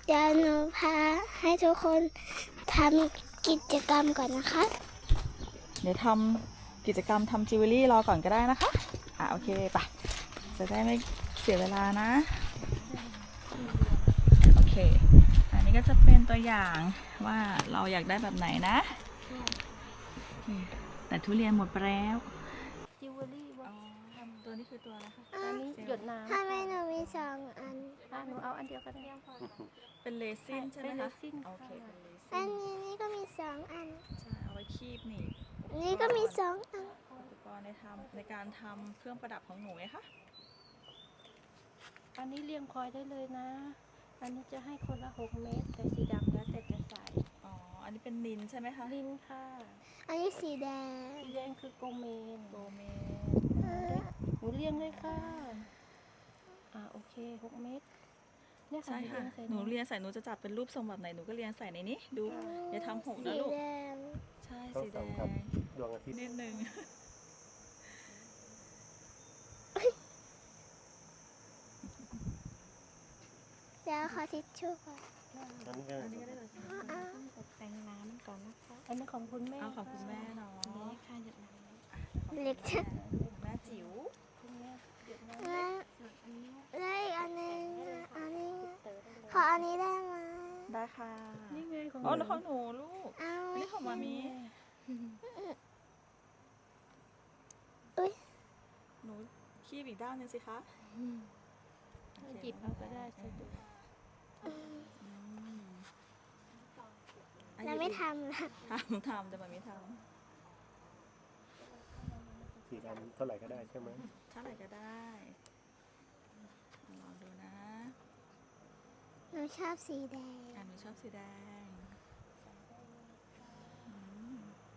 เดี๋ยวหนูพาให้ทุกคนทำกิจกรรมก่อนนะคะเดี๋ยวทำกิจกรรมทำจิวเวลรี่รอก่อนก็ได้นะคะโอเคไปจะได้ไม่เสียเวลานะโอเคอันนี้ก็จะเป็นตัวอย่างว่าเราอยากได้แบบไหนนะแต่ทุเรียนหมดไปแล้วจิวเวลรี่ว่าตัวนี้คือตัวอะไรคะอันนี้หยดน้ำทำไมหนูมี2 อันหนูเอาอันเดียวก็ได้เป็นเรซินใช่ไหมเป็นเรคะซินโอค่ะเคเป็นเรซิอันนนี้ก็มี2 อันใช่เอาไว้คีบหนี่นี่ก็มี2 อันอุปกรณ์ในการทำเครื่องประดับของหนูไงคะอันนี้เรียงคอยได้เลยนะ อันนี้จะให้คนละ6 เม็ดแต่สีดำแล้วแต่จะใส่อ๋ออันนี้เป็นนินใช่ไหมคะลิ้นค่ะอันนี้สีแดงสีแดงคือโกเมนโกเมหนูเรียงเลยค่ะโอเค6 เม็ดเนี่ยค่ะใช่ค่ะใส่หนูเรียนใส่หนูจะจับเป็นรูปทรงแบบไหนหนูก็เรียนใส่ในนี้ดูอย่าทำหกนะสีลูกแดงใช่ต้องสีแดส่องงกับดวงอาทิตย์นิดนึงเดี๋ยวขอทิชชู่ก่อนอันนี้ก็อันนี้ก็ได้เลยอ่ะตกแต่งน้ำก่อนนะคะ อันนี้ของคุณแม่เอาของคุณแม่เนาะนี่ค่ะหยดน้ำเล็กจังแม่จิ๋วคุณแม่หยดน้ำแล้วส่วนอันนี้แล้วอีกอันหนึงอันนี้เต๋อได้เลยขออันนี้ได้ไหมได้ค่ะนี่ไงของอ๋อแล้วของหนูลูกเอาอันนี้ของมามีอุ้ยหนูคีบอีกด้านหนึงสิคะหยิบเอาก็ได้สะดวกเราไม่ทำนะทำแต่มันไม่ทสีดำเท่าไหร่ก็ได้ใช่ไหมำเท่าไหร่ก็ได้ลองดูนะหนูชอบสีแดงหนูชอบสีแดงอืม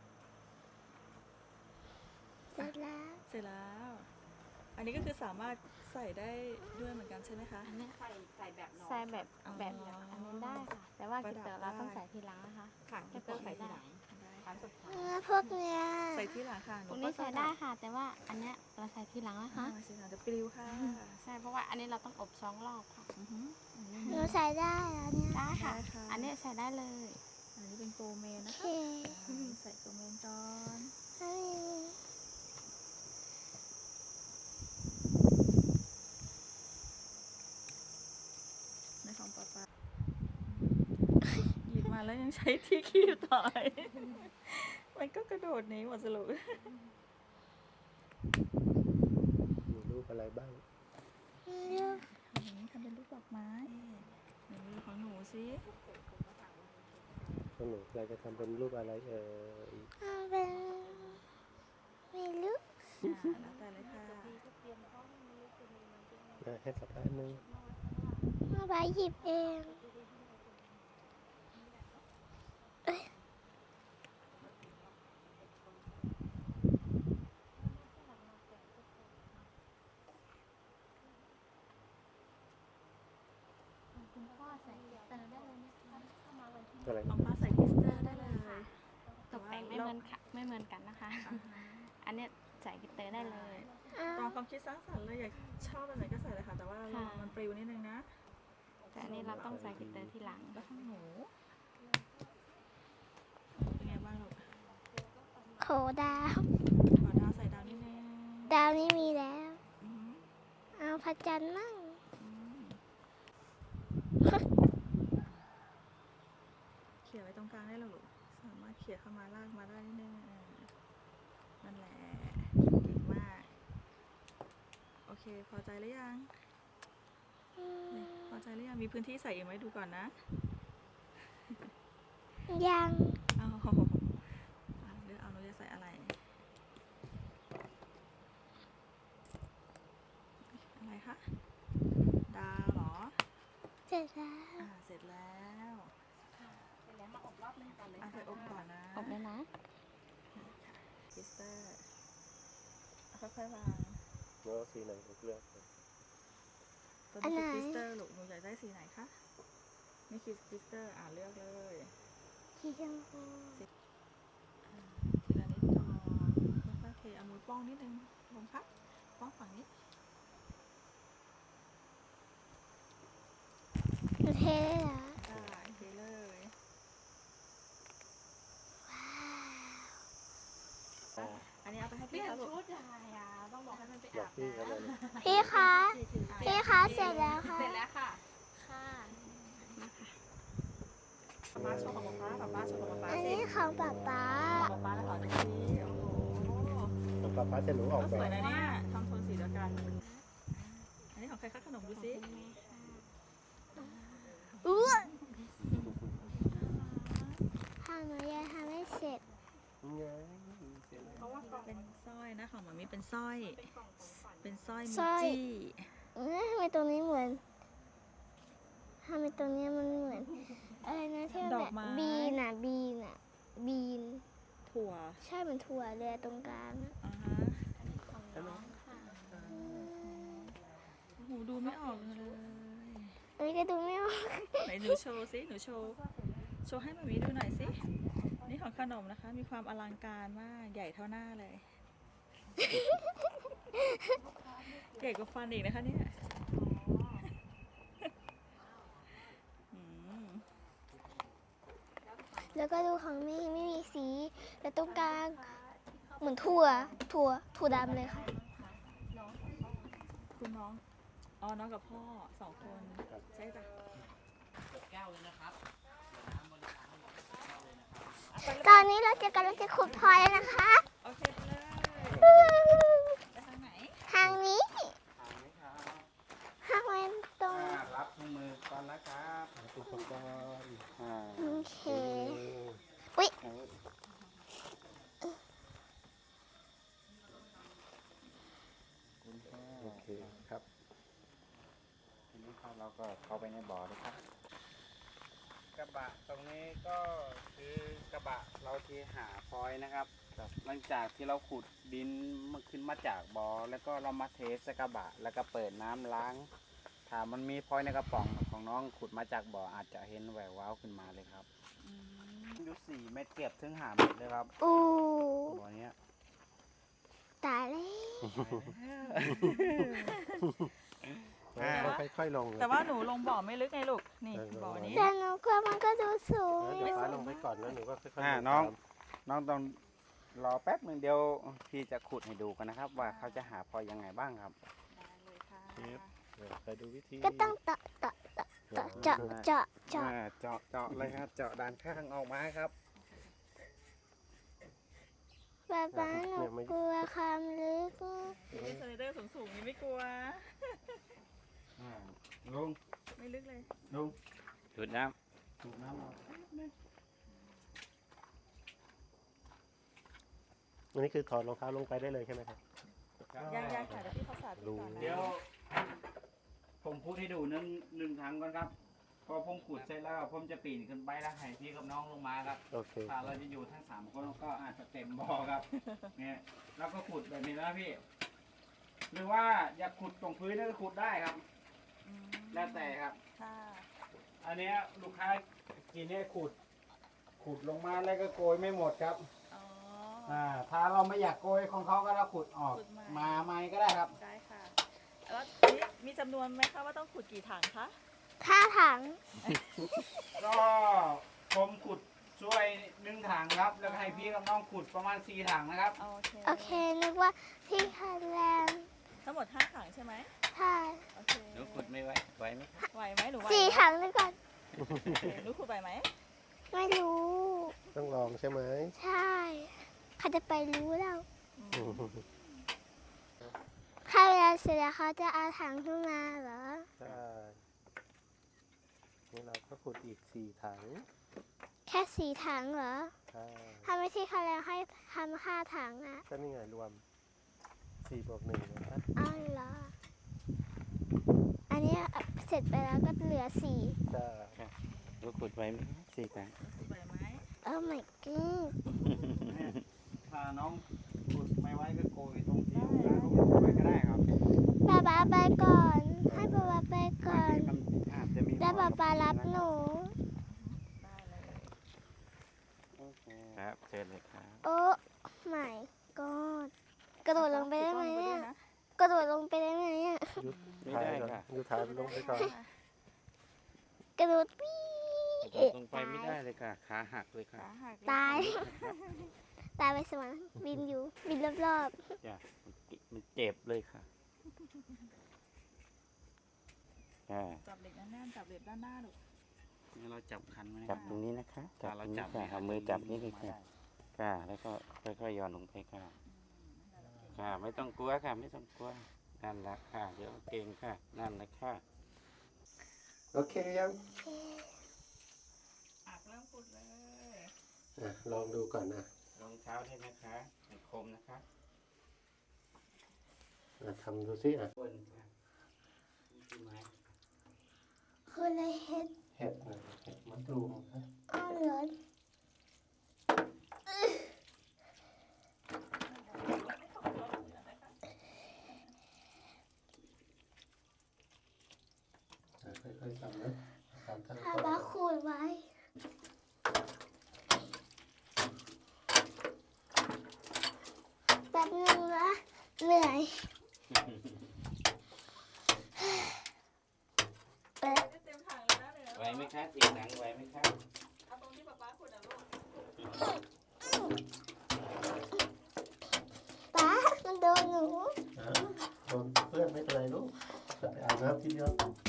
เสร็จแล้วเสร็จแล้ว อันนี้ก็คือสามารถใส่ได้ด้วยเหมือนกันใช่ไหมคะใส่แบบอ๋ออันนี้ได้ค่ะ แต่ว่าประกิดับเตอร์เราต้องได้ใส่ทีหลังนะคะค่ะกิเตอร์ใส่ทีหลังพวกเนี้ยใส่ที่หลังค่ะหพวกก็นี้ใส่ได้ค่ะ แต่ว่าอันเนี้ยเราใส่ทีหลังนะคะสีหลังจะปลิวค่ะใช่ เพราะว่าอันนี้เราต้องอบ2 รอบค่ะอือหือหนูใส่ได้แล้วเนี่ยได้ค่ะได้ค่ะอันนี้ใส่ได้เลยอันนี้เป็นโกเมนโอนะเคคะใส่โกเมนก่อนอันนี้ในของป๊าป๊าหยิบมาแล้วยังใช้ที่คีบต่อย มันก็กระโดดหนี้หมดสรุปมีรูปอะไรบ้างเลือกของนี้ทำเป็นรูปดอกไม้ไหนดูของหนูสิของหนูเราจะทำเป็นรูปอะไรยเอาเป็นไม่รู้แล้วแต่เลยค่ะให้สักอันหนึงเอาไปหยิบเองเอ้ยคุณพ่อใส่กิเตอร์ได้เลยนะคะเข้ามาวันที่อะไรของป้าใส่คริสเตอร์ได้เลยตกแต่งไม่เหมือนกันนะคะ อันเนี้ยใส่กิเตอร์ได้เลยตามความคิดสร้างสรรค์เลยอยากชอบแบบไหนก็ใส่เลยค่ะ แต่ว่าระวังมันปลิวนิดนึงนะแต่อันนี้เราต้องใส่กิเตอร์ทีหลังแล้วของหนูเป็นไงบ้างลูกโขดาวขอดาวใส่ดาวนิดนึงดาวนี้มีแล้วอือหือเอาพระจันทร์มั่งอืมเขี่ยไว้ตรงกลางได้เลยลูกสามารถเขี่ยเข้ามาลากมาได้นิดนึงนั่นแหละเก่งมาก โอเค พอใจหรือยัง พอใจหรือยัง มีพื้นที่ใส่อีกไหมดูก่อนนะยังเอาเลือกเอาหนูจะใส่อะไร อะไรคะ ดาวเหรอเสร็จแล้วเสร็จแล้วเสร็จแล้วมาอบรอบนึงก่อนเลยใส่อบก่อนนะอบเลยนะคริสเตอร์ค่อยๆวางแล้วสีไหนเลือกตัวนี้คือคริสเตอร์ลูกหนูอยากได้สีไหนคะนี่คือคริสเตอร์เลือกเลยสีชมพูทีละนิดก่อนค่อยๆเทเอามือป้องนิดนึงลงครับป้องฝั่งนี้หนูเทได้เหรอได้เปลี่ยนชุดยังไงอ่ะต้องบอกให้มันไปบออาก บพี่เขาเลยนะพี่คะพี่คะเสร็จแล้วค่ะเสร็จแล้วค่ะค่ะป๊าโชว์ของป๊าป๊าโชว์ของป๊าอันสินี้ของป๊าป๊าของป๊าแล้วขอดูสิโอ้โหของป้าจะหนูออกก็แบสวยบนะเนี่ยทำโทนสีเดียวกัน อันนี้ของใครคะขนมดูสิอู้ทำหนูยังทำไม่เสร็จไงเพราะว่าเป็นสร้อยนะของหมามีเป็นสร้อย เป็นสร้อยสร้มิอยจี้ทำไมตรงนี้เหมือนทำไมตรงนี้มันเหมือนอะไรนะที่มันแบบบีนอ่ะบีนถั่วใช่เหมือนถั่วเลยตรงกลางอะอ่าฮะโอ้โหดูไม่ออกเลยอันนี้ก็ดูไม่ออกไหนหนูโชว์สิหนูโชว์ให้หมามีดูหน่อยสินี่ของขนมนะคะ มีความอลังการมากใหญ่เท่าหน้าเลย ใหญ่กว่าฟันอีกนะคะเนี่ยอืมแล้วก็ดูของมี่ไม่มีสีแต่ตรงกลางเหมือนถั่วดำเลยค่ะคุณน้อง อ๋อ น้องกับพ่อสองคน ใช่จ้ะตอนนี้เราจะกำลังจะขุดพลอยแล้วนะคะโอเคไปเลยไปทางไหนทางนี้ถามไหมครับทางมันตรงรับถุงมือก่อนนะครับอุปกรณ์โอเคอุ๊ยโอเคครับทีนี้ครับเราก็เข้าไปในบ่อเลยครับ กระบะตรงนี้ก็คือกระบะเราที่หาพลอยนะครับ หลังจากที่เราขุดดินมันขึ้นมาจากบ่อแล้วก็เรามาเทใส่กระบะแล้วก็เปิดน้ำล้าง ถ้ามันมีพลอยในกระป๋องของน้องขุดมาจากบ่ออาจจะเห็นแหววว้าวขึ้นมาเลยครับอยู่4 เมตรเกือบถึง5 เมตรเลยครับอู้บ่อเนี้ยตายแล้วค่อยๆลงเลยแต่ว่าหนูลงบ่อไม่ลึกไงลูก นี่บ่อนี้แต่หนูกลัวมันก็ดูสูงเดี๋ยวฟ้าลงไปก่อนแล้วหนูก็ค่อยๆลงน้องตามน้องต้องรอแป๊บหนึ่งเดียวพี่จะขุดให้ดูกันนะครับ ว่าเขาจะหาพลอยยังไงบ้างครับได้เลยค่ะไปดูวิธีก็ต้องเจาะเจาะเจาะเจาะเจาะเลยครับ เจาะด้านข้างออกมาครับป๊าป๊าหนูกลัวความลึกมีสไลเดอร์สูงๆนี่ไม่กลัวลุงไม่ลึกเลยลุงดูดน้ำดูดน้ำออกอันนี้คือถอดรองเท้าลงไปได้เลยใช่ไหมครับยังค่ะเดี๋ยวพี่เขาสาธิตก่อนนะเดี๋ยว ผมพูดให้ดูหนึ่งครั้งก่อนครับ พอผมขุดเสร็จแล้วผมจะปีนขึ้นไปแล้วให้พี่กับน้องลงมาครับโอเคถ้าเราจะอยู่ทั้ง3 คนก็อาจจะเต็มบ่อครับ เนี่ยแล้วก็ขุดแบบนี้นะพี่ หรือว่าอยากขุดตรงพื้นก็ขุดได้ครับอืมแล้วแต่ครับค่ะอันเนี้ยลูกค้ากินเนี่ยขุดลงมาแล้วก็โกยไม่หมดครับอ๋อถ้าเราไม่อยากโกยของเขาก็เราขุดออกขุดใหม่มาใหม่ก็ได้ครับได้ค่ะ แล้วนี่มีจำนวนไหมคะว่าต้องขุดกี่ถังคะท่าถังก็ผมขุดช่วย1 ถังครับ แล้วก็ให้พี่กับน้องขุดประมาณ4 ถังนะครับโอเคโอเคนึกว่าพี่คันแรงทั้งหมด5 ถังใช่ไหมใช่โอเคหนูขุดไม่ไหวไหมไหวไหมหนูไหวสี่ไหมถังด้วยกันโอเคหนูขุดไหวไหมไม่รู้ต้องลองใช่ไหมใช่ใครจะไปรู้เราอืมถ้าเวลาเสร็จแล้วเขาจะเอาถังขึ้นมาเหรอใช่นี่เราก็ขุดอีก4 ถังแค่สี่ถังเหรอใช่ถ้าไม่ใช่เขาแล้วให้ทำ5 ถังอ่ะก็นี่ไงรวม4 บวก 1นะครับอ้าวเหรอ อันนี้เสร็จไปแล้วก็เหลือ4 ใช่หนูขุดไหวไหม4 ถังขุดไหวไหมโอ้ my god ถ้าน้องขุดไม่ไหวก็โกยตรงที่ลูกค้าเขาขุดไว้ก็ได้ครับป๊าป๊าไปก่อน ให้ป๊าป๊าไปก่อนมันอาจจะมีแล้วป๊าป๊ารับหนูได้เลยครับเชิญเลยครับโอ้ my god กระโดดลงไปได้ไหมขุเนี่ยต้นว้ด้วยนะกระโดดลงไปได้ไหมอ่ะยุดถ่ายก่อนยุดถ่ายลงไปก่อนกระโดดปี้ลงไปไม่ได้เลยค่ะ ขาหักเลยค่ะขาหักตายตาไปสวรรค์บินอยู่บินรอบจ้ะมันเจ็บเลยค่ะอ่าจับเหล็กแน่นๆจับเหล็กด้านหน้าลูกนี่เราจับคันไว้จับตรงนี้นะคะจับเราตรงนี้จับค่ะเอามือจับนี่เลยค่ะค่ะแล้วก็ค่อยๆหย่อนลงไปค่ะค่ะไม่ต้องกลัวค่ะไม่ต้องกลัวนั่นแหละค่ะเดี๋ยวเก่งค่ะนั่นแหละค่ะโอเคยังอักเริ่มขุดเลยลองดูก่อนนะรองเท้าให้นะคะให้คมนะคะทำดูสิบนค่ะนี่คือไม้ๆคืออะไรเห็ดเห็ดนะเห็ดมะตูมนะอ้าวเหรอค่อยๆทำนะทำทั้งถ้าต้นบ้าขูดไว้แป๊บนึงนะเหนื่อยเอ๊ะเต็มถังเลยนะเหนือไหวไหมคะเสียงดังไหวไหมคะเอาตรงที่ป๊าขุดอ่ะลูกป๊ามันโดนหนูโดนเพื่อนไม่เป็นไรลูกจะไปอาบน้ำทีเดียว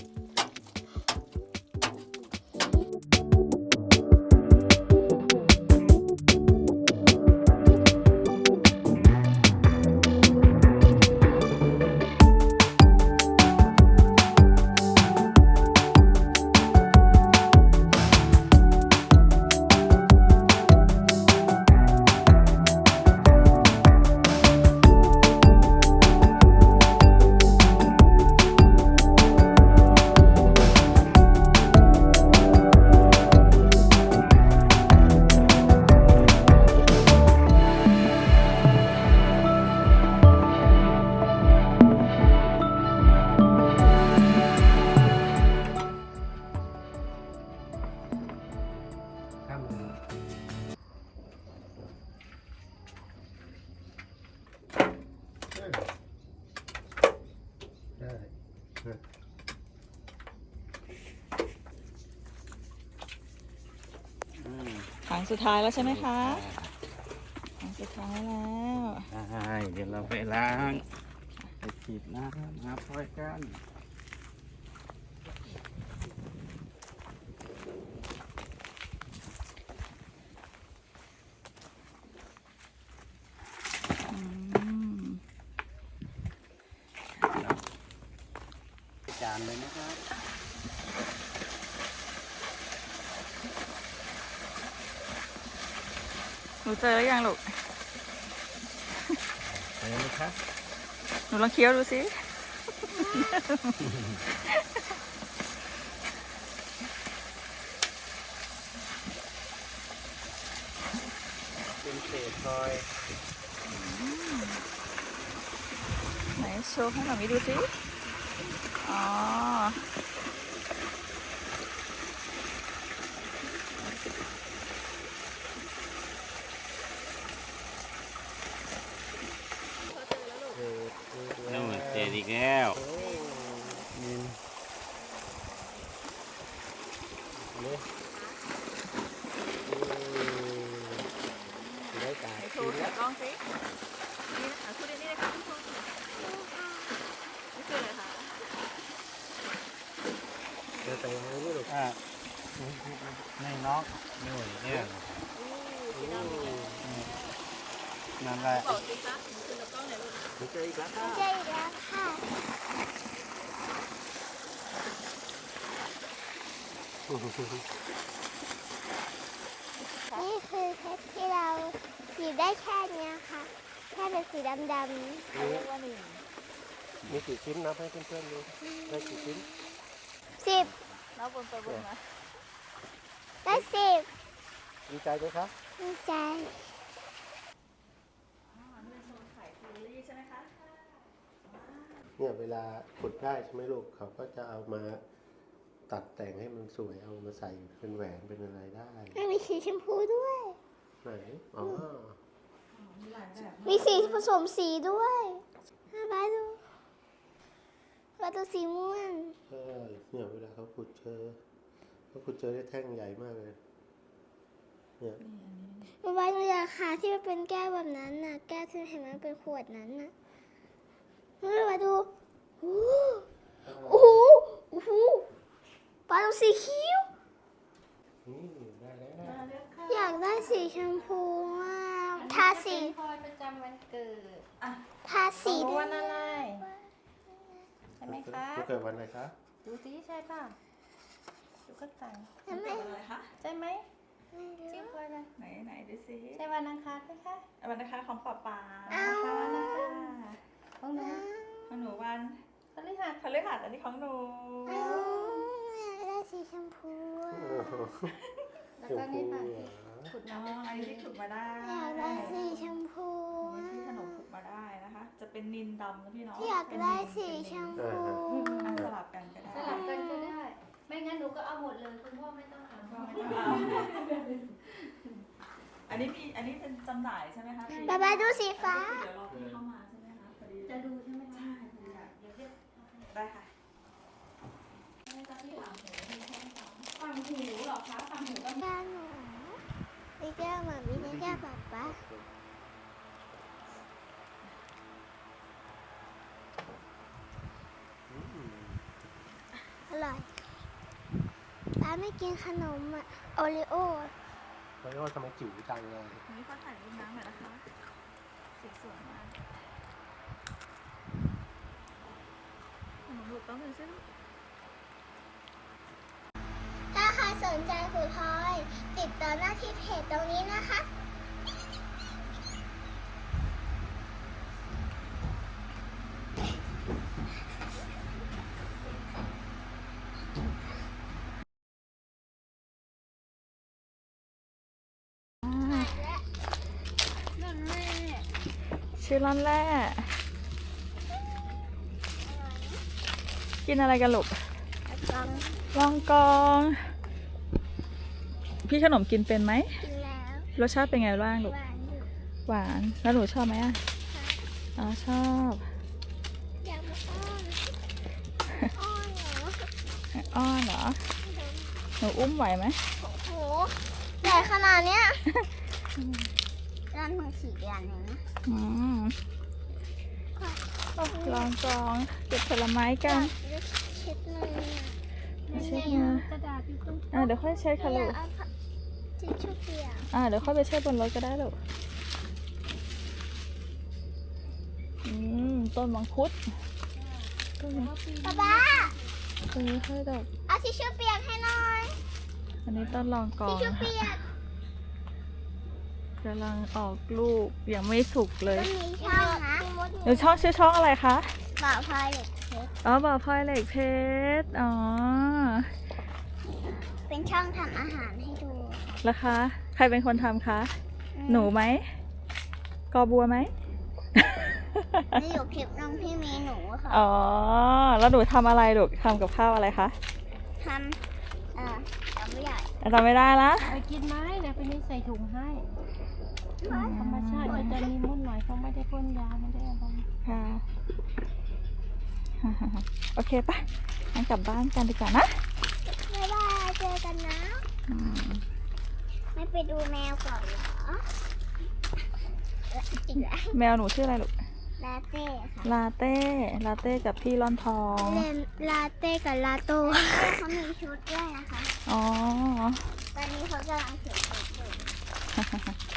ข้ามมือได้ถังสุดท้ายแล้วใช่ไหมคะถังสุดท้ายแล้วใช่เดี๋ยวเราไปล้างไปฉีดน้ำหาพลอยกันอืมจานเลยนะครับหนูเจอแล้วยังลูกไปเลยครับหนูลองเคี้ยวดูสิเป็นเศษพลอยไหนโชว์ให้หน่อยดูสิ อ๋อนู่นเศษอีกแล้วนี่ได้กาไหนโชว์ถือกล้องสิ นี่นะคะพูดนี่นะคะทุกคนนี่คืออะไรคะเดี๋ยวแต่งให้ลูกไม่น็อกนี่เนี่ยนั่นแหละบอกสิคะหนูคือกับกล้องไหนลูกนี่เจออีกแล้วไม่ใช่อีกแล้วค่ะ นี่คือเพชรที่เราหยิบได้แค่เนี้ยค่ะ แค่เป็นสีดำเขาเรียกว่าหนึ่งมีกี่ชิ้นนับให้เพื่อนๆดูได้กี่ชิ้นๆ10 แล้วบนไปบนมาได้10 ดีใจไหมครับดีใจอ๋อนี่เป็นโซนขายซีรีส์ใช่ไหมคะเนี่ยเวลาขุดได้ใช่ไหมลูกเขาก็จะเอามาตัดแต่งให้มันสวยเอามาใส่เป็นแหวนเป็นอะไรได้มันมีสีชมพูด้วยไหนอ๋อมีหลายแบบมีสีผสมสีด้วยบ้าดูบ้าดูสีม่วงใช่เนี่ยเวลาเขาขุดเจอได้แท่งใหญ่มากเลยเนี่ยบ๊ายบายหนูอยากหาที่มันเป็นแก้วแบบนั้นน่ะแก้วที่เห็นมันเป็นขวดนั้นน่ะบ๊ายบายดูโอ้โหโอ้โหปลาสีเขียวนี่ได้แล้วนะอยากได้สีชมพูอ่ะทาสีพลอยประจำวันเกิดทาสีรู้ได้วันอะไรใช่ไหมคะลูกเกิดวันอะไรคะดูสิใช่ป่ะดูก็ต่างทำไมอะไรคะใช่ไหมไม่ชื่อรู้พลอยอะไรไหนดูสิใช่วันอังคารไหมคะวันนะคะของป๊าป๊าเอาค่ะวันอังคารของหนูของหนูวันพฤหัสพฤหัสอันนี้ของหนูเอาอยากได้สีชมพูอ่ะแล้วก็นี่ค่ะชมพูเหรอขุดอ๋อน้ำอันนี้ที่ขุดมาได้อยากได้สีชมพูอันอ่ะนี้ที่ขนมขุดมาได้นะคะ จะเป็นนินดำนะพี่เนาะอยากได้สีชมพูอ่ะสลับกันก็ได้สลับกันก็ได้ ไม่งั้นหนูก็เอาหมดเลยคุณพ่อไม่ต้องเอาก็ไม่ต้องเอาอันนี้เป็นจำหน่ายใช่ไหมคะพี่บ๊ายบายดูสีฟ้าเดี๋ยวรอพี่เข้ามาใช่ไหมคะพอดีจะดูใช่ไหมคะเได้ค่ะฟังหูเหรอคะฟังหูก็แก้วหนูนี่แก้วหมามีนี่แก้วป๊าป๊าอร่อยป๊าไม่กินขนมอ่ะโอริโอแล้วก็ทำไมจิ๋วจังเลยอันนี้ขอถ่ายรูปน้ำหน่อยนะคะสีสวยมากขนมลูกต้องเป็นเส้นถ้าใครสนใจครูพลอยติดต่อหน้าที่เพจตรงนี้นะคะชื่อร้านแรกกินอะไรกันลูกลองกอง พี่ขนมกินเป็นไหมกินแล้วรสชาติเป็นไงบ้างลูกหวานอยู่หวาน แล้วหนูชอบไหมอ่ะอ๋อชอบอยากมาอ้อนอ้อนเหรออ้อนเหรอ หนูอุ้มไหวไหมโหใหญ่ขนาดเนี้ยร้านของ4 เดือนเองนะอืมลองกองเก็บผลไม้กันเช็ดมือเช็ดมือกระดาษอยู่ตรงเดี๋ยวค่อยเช็ดค่ะอลูยาก กเอาทิชชู่เปียกเดี๋ยวค่อยไปเช็ดบนรถก็ได้ลูกต้นมังคุดต้นมังคุดป๊าป๊าต้นนี้ค่อยดอกเอาทิชชู่เปียกให้หน่อยอันนี้ต้นลองกทิอชงชู่เปียกกำลังออกลูกยังไม่สุกเลยมันมีช่องนะหนูช่องชื่อช่องอะไรคะบ่าวพลอยเหล็กเพชรอ๋อบ่อพลอยเหล็กเพชรอ๋อเป็นช่องทำอาหารให้ดูแล้วคะ ใครเป็นคนทำคะ หนูไหม กอบัวไหมนี่อยู่คลิปน้องพี่มีหนูค่ะอ๋อ แล้วหนูทำอะไรลูกทำกับข้าวอะไรคะทำจำไม่ได้จำไม่ได้ละไปกินไหมเดี๋ยวไปนี่ใส่ถุงให้ธรรมชาติมันจะมีมุ่นหน่อยเขาไม่ได้พ่นยาไม่ได้อะไรค่ะ โอเคปะงั้นกลับบ้านกันดีกว่านะบ๊ายบายเจอกันนะอืมไม่ไปดูแมวก่อนเหรอจริงเหรอแมวหนูชื่ออะไรลูกลาเต้ค่ะลาเต้ ลาเต้กับพี่ร่อนทองเลนลาเต้กับลาโต้เขามีชุดด้วยนะคะอ๋อตอนนี้เขากำลังเขียนชุดอยู่